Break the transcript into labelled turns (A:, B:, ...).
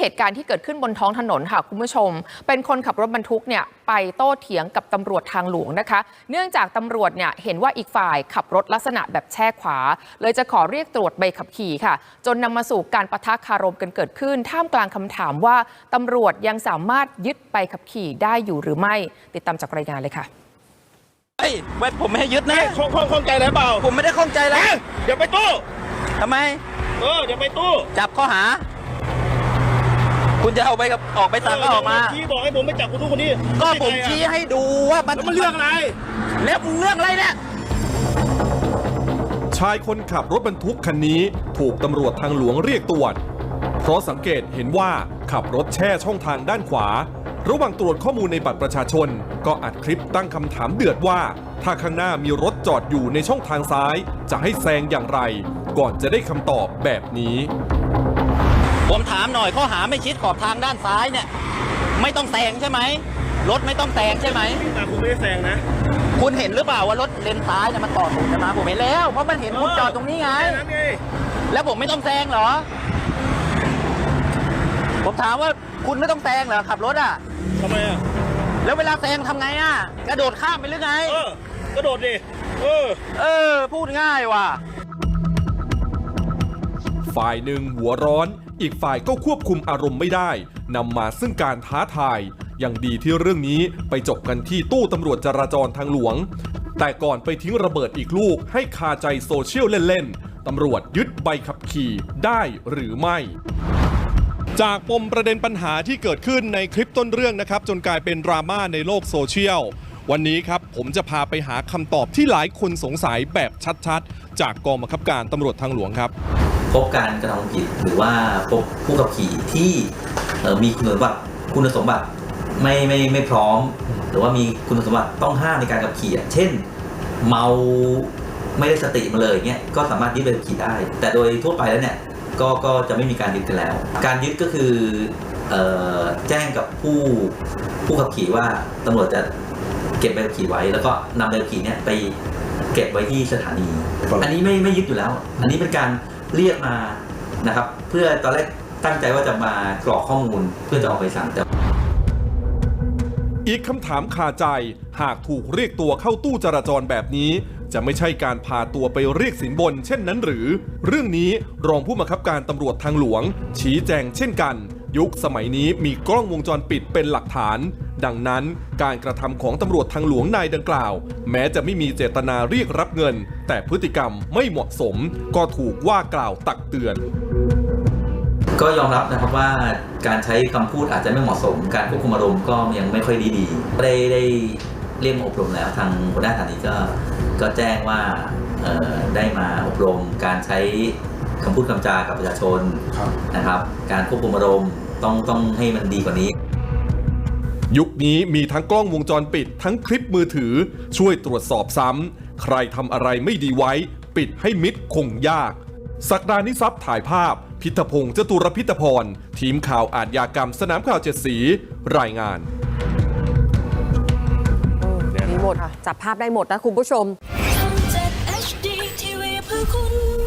A: ตุการณ์ที่เกิดขึ้นบนท้องถนนค่ะคุณผู้ชมเป็นคนขับรถบรรทุกเนี่ยไปโต้เถียงกับตำรวจทางหลวงนะคะเนื่องจากตำรวจเนี่ยเห็นว่าอีกฝ่ายขับรถลักษณะแบบแช่ขวาเลยจะขอเรียกตรวจใบขับขี่ค่ะจนนำมาสู่การปะทะคารมกันเกิดขึ้นท่ามกลางคำถามว่าตำรวจยังสามารถยึดใบขับขี่ได้อยู่หรือไม่ติดตามจากรายงานเลยค่ะ
B: ไม่ผมไม่ให้ยึดนะ
C: ข้องใจอะไรเปล่า
B: ผมไม่ได้ข้องใจแล้ว
C: เดี๋ยวไปตู้
B: ทำไม
C: เดี๋ยวไปตู้
B: จับข้อหาคุณจะเอาไปกับออกไปสั่งก็ออกมา
C: ชี้บอกให้ผมไปจับคนนู้นคนนี้
B: ก็ผมชี้ให้ดูว่ามัน
C: เรื่องอะไร
B: แล้วเรื่องอะไรเนี่ย
D: ชายคนขับรถบรรทุกคันนี้ถูกตำรวจทางหลวงเรียกตรวจเพราะสังเกตเห็นว่าขับรถแช่ช่องทางด้านขวาระหว่างตรวจข้อมูลในบัตรประชาชนก็อัดคลิปตั้งคำถามเดือดว่าถ้าข้างหน้ามีรถจอดอยู่ในช่องทางซ้ายจะให้แซงอย่างไรก่อนจะได้คำตอบแบบนี้
B: ผมถามหน่อยข้อหาไม่ชิดขอบทางด้านซ้ายเนี่ยไม่ต้องแซงใช่ไหมรถไม่ต้องแซงใช่ไหม
C: แต่คุณไม่ได้แซงนะ
B: คุณเห็นหรือเปล่าว่ารถเลนซ้ายเนี่ยมันต่อถูกกันมาผมเห็นแล้วเพราะมันเห็นคุณจอดตรงนี้ไงแล้วผมไม่ต้องแซงเหรอผมถามว่าคุณไม่ต้องแซงเหรอขับรถอ่ะ
C: ทำไมอ่ะ
B: แล้วเวลาแซงทำไงอ่ะกระโดดข้ามไปหรือไง
C: กระโดดดิ
B: พูดง่ายว่ะ
D: ฝ่ายหนึ่งหัวร้อนอีกฝ่ายก็ควบคุมอารมณ์ไม่ได้นำมาซึ่งการท้าทายอย่างดีที่เรื่องนี้ไปจบกันที่ตู้ตำรวจจราจรทางหลวงแต่ก่อนไปทิ้งระเบิดอีกลูกให้คาใจโซเชียลเล่นๆตำรวจยึดใบขับขี่ได้หรือไม่จากปมประเด็นปัญหาที่เกิดขึ้นในคลิปต้นเรื่องนะครับจนกลายเป็นดราม่าในโลกโซเชียลวันนี้ครับผมจะพาไปหาคำตอบที่หลายคนสงสัยแบบชัดๆจากกองบังคับการตำรวจทางหลวงครับ
E: พบการกระทำผิดหรือว่าพบผู้ขับขี่ที่มีคุณสมบัติไม่พร้อมหรือว่ามีคุณสมบัติต้องห้ามในการขับขี่เช่นเมาไม่ได้สติมาเลยเงี้ยก็สามารถยึดใบขับขี่ได้แต่โดยทั่วไปแล้วเนี่ยก็จะไม่มีการยึดกันแล้วการยึดก็คือแจ้งกับผู้ขับขี่ว่าตำรวจจะเก็บใบขับขี่ไว้แล้วก็นำใบขับขี่เนี่ยไปเก็บไว้ที่สถานีอันนี้ไม่ยึดอยู่แล้วอันนี้เป็นการเรียกมานะครับเพื่อตอนแรกตั้งใจว่าจะมากรอกข้อมูลเพื่อจะออกใบสั่งแต่
D: อีกคำถามคาใจหากถูกเรียกตัวเข้าตู้จราจรแบบนี้จะไม่ใช่การพาตัวไปเรียกสินบนเช่นนั้นหรือเรื่องนี้รองผู้บังคับการตำรวจทางหลวงชี้แจงเช่นกันยุคสมัยนี้มีกล้องวงจรปิดเป็นหลักฐานดังนั้นการกระทำของตำรวจทางหลวงนายดังกล่าวแม้จะไม่มีเจตนาเรียกรับเงินแต่พฤติกรรมไม่เหมาะสมก็ถูกว่ากล่าวตักเตือน
E: ก็ยอมรับนะครับว่าการใช้คำพูดอาจจะไม่เหมาะสมการควบคุมอารมณ์ก็ยังไม่ค่อยดีได้เรียกอบรมแล้วทางหัวหน้าสถานีก็แจ้งว่าได้มาอบรมการใช้คำพูดคำจากับประชาชนนะครับการควบคุมอารมณ์ต้องให้มันดีกว่านี้
D: ยุคนี้มีทั้งกล้องวงจรปิดทั้งคลิปมือถือช่วยตรวจสอบซ้ำใครทำอะไรไม่ดีไว้ปิดให้มิดคงยากศักดานิทรัพย์ถ่ายภาพพิทพงษ์จตุรพิทพรทีมข่าวอาชญากรรมสนามข่าว7สีรายงาน
A: มีหมดจับภาพได้หมดนะคุณผู้ชม